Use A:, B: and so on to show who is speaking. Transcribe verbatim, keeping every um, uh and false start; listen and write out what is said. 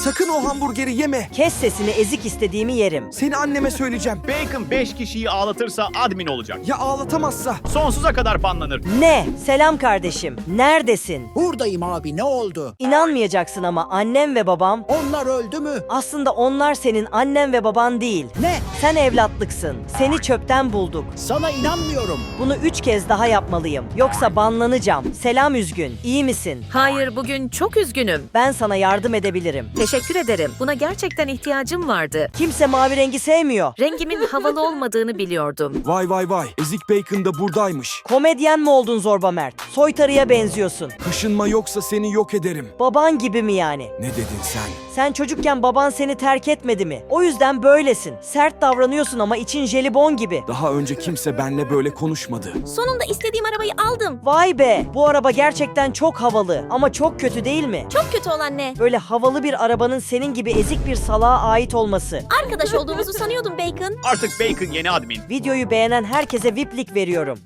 A: Sakın o hamburgeri yeme.
B: Kes sesini, ezik, istediğimi yerim.
A: Seni anneme söyleyeceğim.
C: Bacon beş kişiyi ağlatırsa admin olacak.
A: Ya ağlatamazsa?
C: Sonsuza kadar banlanır.
B: Ne? Selam kardeşim. Neredesin?
D: Buradayım abi, ne oldu?
B: İnanmayacaksın ama annem ve babam...
D: Onlar öldü mü?
B: Aslında onlar senin annen ve baban değil.
D: Ne?
B: Sen evlatlıksın. Seni çöpten bulduk.
D: Sana inanmıyorum.
B: Bunu üç kez daha yapmalıyım. Yoksa banlanacağım. Selam üzgün. İyi misin?
E: Hayır, bugün çok üzgünüm.
B: Ben sana yardım edebilirim.
E: Teşekkür ederim. Buna gerçekten ihtiyacım vardı.
B: Kimse mavi rengi sevmiyor.
E: Rengimin havalı olmadığını biliyordum.
A: Vay vay vay. Ezik Bacon da buradaymış.
B: Komedyen mi oldun Zorba Mert? Soytarıya benziyorsun.
A: Kaşınma yoksa seni yok ederim.
B: Baban gibi mi yani?
A: Ne dedin sen?
B: Sen çocukken baban seni terk etmedi mi? O yüzden böylesin. Sert davranıyorsun ama için jelibon gibi.
A: Daha önce kimse benle böyle konuşmadı.
F: Sonunda istediğim arabayı aldım.
B: Vay be! Bu araba gerçekten çok havalı ama çok kötü değil mi?
F: Çok kötü olan ne?
B: Böyle havalı bir arabanın senin gibi ezik bir salağa ait olması.
F: Arkadaş olduğumuzu sanıyordum Bacon.
C: Artık Bacon yeni admin.
B: Videoyu beğenen herkese V I P'lik veriyorum.